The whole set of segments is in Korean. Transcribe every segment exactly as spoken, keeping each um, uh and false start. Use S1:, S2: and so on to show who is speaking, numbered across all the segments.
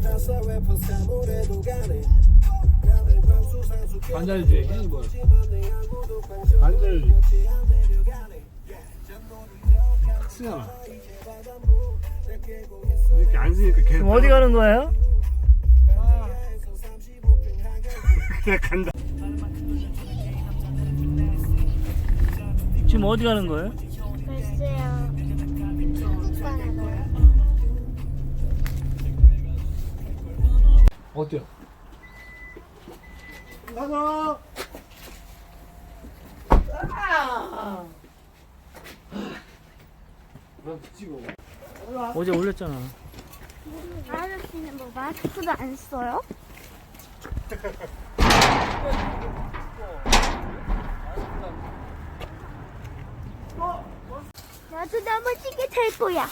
S1: 관절주의 뭐 관절 쓰잖아. 이렇게 안 쓰니까 걔
S2: 지금 어디 가는 거예요?
S1: 그냥 간다.
S2: 지금 어디 가는 거예요?
S3: 글쎄요. 중국관에 가요.
S1: 어때요? 가자. 난 찍어.
S2: 어제 올렸잖아.
S3: 아저씨는 뭐 마스크도 안 써요? 나도 넘어지게 될 거야.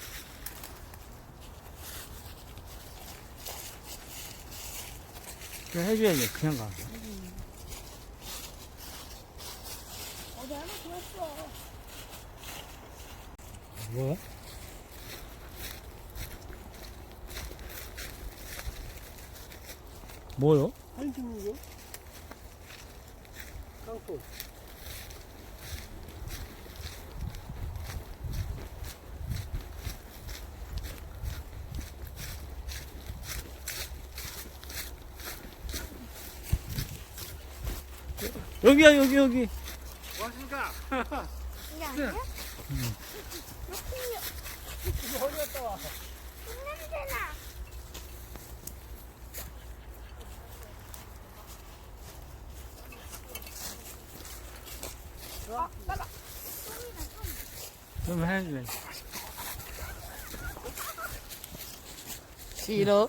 S2: 그냥 해줘야지. 그냥 가.
S3: 어디 하나 들었어.
S1: 뭐야?
S2: 뭐요?
S1: 사진 찍는 거? 깡통.
S2: 여기야, 여기, 여기.
S1: 뭐 하십니까?
S3: 이게 아니야?
S2: 응.
S3: 이렇게
S1: 어디 갔다 와?
S3: 냄새나.
S2: 좀 해줘야지.
S4: 싫어.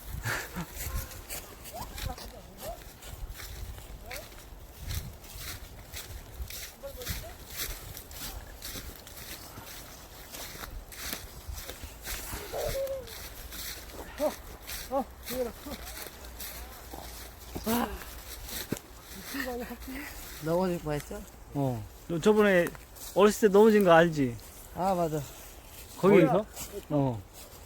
S1: 어, 이거라.
S4: 넘어질 뻔했죠?
S2: 어. 너 저번에 어렸을 때 넘어진 거 알지?
S4: 아 맞아.
S2: 거기서? 어.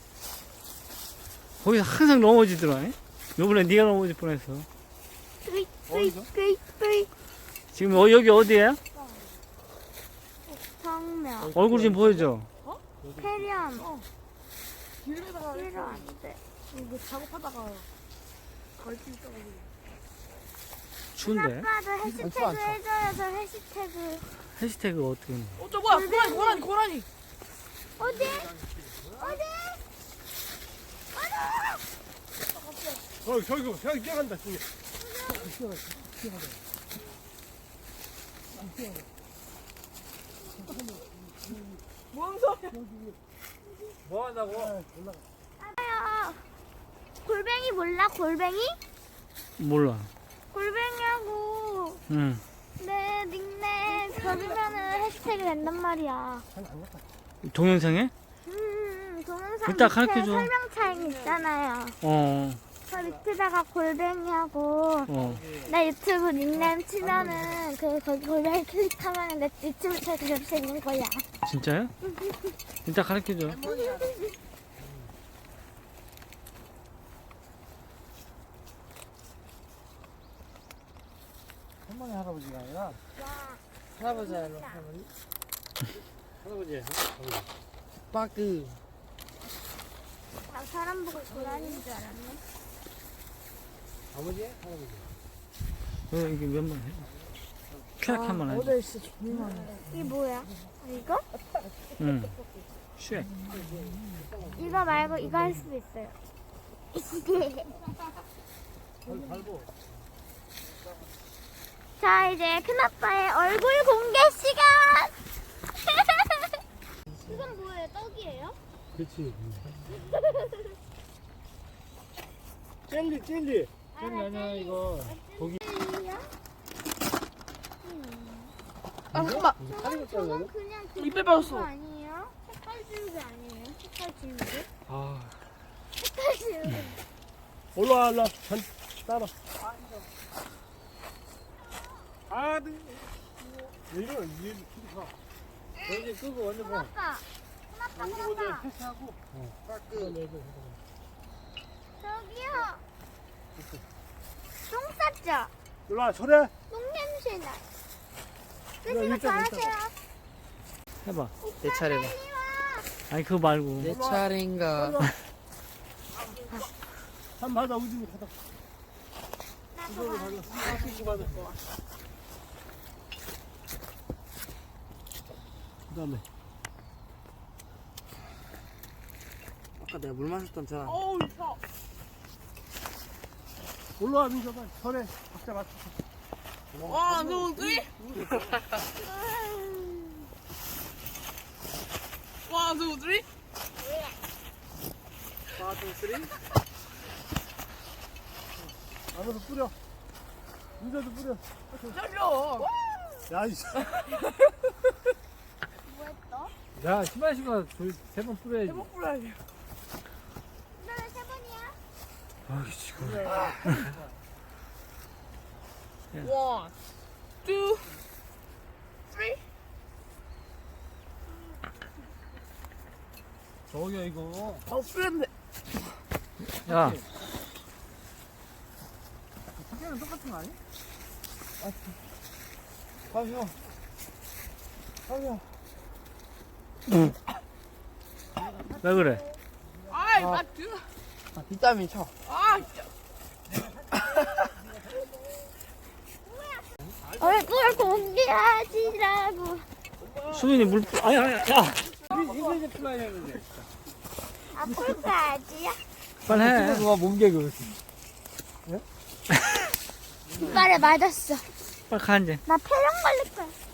S2: 거기서 항상 넘어지더라. 요번에 네가 넘어질 뻔했어.
S3: 으이, 으이, 으이, 으이.
S2: 지금 어, 여기 어디야?
S3: 성명.
S2: 얼굴 좀 보여줘.
S3: 태련.
S4: 길에다가
S3: 필요 안 돼.
S4: 이거 작업하다가 걸친 떠가지고.
S2: 추운데?
S3: 아빠도 해시태그
S4: 추워, 안 추워.
S3: 해줘요. 저 해시태그.
S2: 해시태그 어떻게 해?
S4: 어, 저 뭐야? 고라니, 고라니, 고라니.
S3: 어디? 어디?
S1: 어, 저기, 저기 뛰어간다, 저기.
S4: 뭔 소리야?
S1: 뭐 한다고?
S3: 아요. 골뱅이 몰라? 골뱅이?
S2: 몰라.
S3: 골뱅이하고
S2: 응.
S3: 내 닉네임 적으면은 해시태그 된단 말이야.
S2: 동영상에?
S3: 음, 동영상
S2: 이따
S3: 밑에
S2: 가르쳐줘.
S3: 설명창 있잖아요.
S2: 어,
S3: 저 밑에다가 골뱅이하고
S2: 어.
S3: 내 유튜브 닉네임 치면은 그 거기 골뱅이 클릭하면 내 유튜브 채널 접수 있는 거야.
S2: 진짜요? 이따 가르쳐줘.
S1: 할머니, 할아버지가 아니라,
S4: 할아버지 알로 할머니.
S1: 할아버지, 할아버지.
S4: 빠그.
S3: 나 사람 보고 고라니인 줄 알았네.
S1: 아버지? 할아버지.
S2: 어, 이게 몇 번 해? 쾌락 한번 하지.
S4: 어제 진짜 존나 많아.
S3: 이게 뭐야? 아, 이거?
S2: 응. 쉐.
S3: 이거 말고 이거 할 수도 있어요.
S1: 밟어.
S3: 자, 이제 큰아빠의 얼굴 공개 시간! 이건 뭐예요? 떡이에요?
S1: 그렇지. 젤리, 젤리. 젤리 아니야, 이거. 고기.
S4: 아 잠깐만.
S1: 사진
S3: 저건
S1: 찍어야 돼?
S3: 그냥 그
S4: 입에 빠졌어.
S3: 아니에요? 색깔 지우개 아니에요? 색깔 지우개?
S1: 아.
S3: 색깔 지우개.
S1: 올라와, 올라와. 전, 따라. 아, 네. 이런, 이런, 가. 여기 끄고 완전 봐.
S3: 큰아빠! 큰아빠,
S1: 여기 먼저
S3: 큰아빠!
S1: 패스하고. 어.
S4: 빠그.
S3: 저 진짜
S1: 일로 와, 저래.
S3: 똥냄새 나.
S1: 이거
S3: 끄시고
S1: 일단
S3: 잘하세요.
S2: 해봐.
S4: 내 차례다.
S3: 빨리 와.
S2: 아니 그거 말고.
S4: 내 차례인가?
S1: 한 받아, 우진이 받아.
S3: 나도
S1: 이걸로
S3: 봐.
S1: 받아. 씻고 받아. 그 다음에.
S4: 아까 내가 물 마셨던 차.
S1: 어우, 차. 올라와, 민서가. 저래. 각자 맞춰.
S4: 와, 너 쓰리? 와, 너 쓰리? 와, 너 쓰리?
S1: 안으로 뿌려. 민서도 뿌려.
S4: 잘려.
S1: 야, 이씨.
S3: 뭐했어?
S2: 야 신발 신고 세번 뿌려야지.
S4: 해먹 뿌려야지.
S3: 너는 세 번이야?
S2: 아 지금.
S4: 원, 투, 쓰리.
S1: 저기야, 이거.
S4: 더 뿌렸네.
S2: 야
S1: 학교는 똑같은 거 아니야? 가요. 가요.
S2: 왜 그래?
S4: 아이, 아, 드. 아, 비타민 쳐. 아, 진짜.
S3: 얼굴 공개하지라고.
S2: 수민이 물 뿌. 아니 아니 야.
S1: 이거 이제 풀어야 되는데.
S3: 앞으로 가야지야.
S2: 빨리 해.
S1: 누가 몸개그.
S3: 이빨에 맞았어.
S2: 빨리 가 이제.
S3: 나 폐렴 걸릴 거야.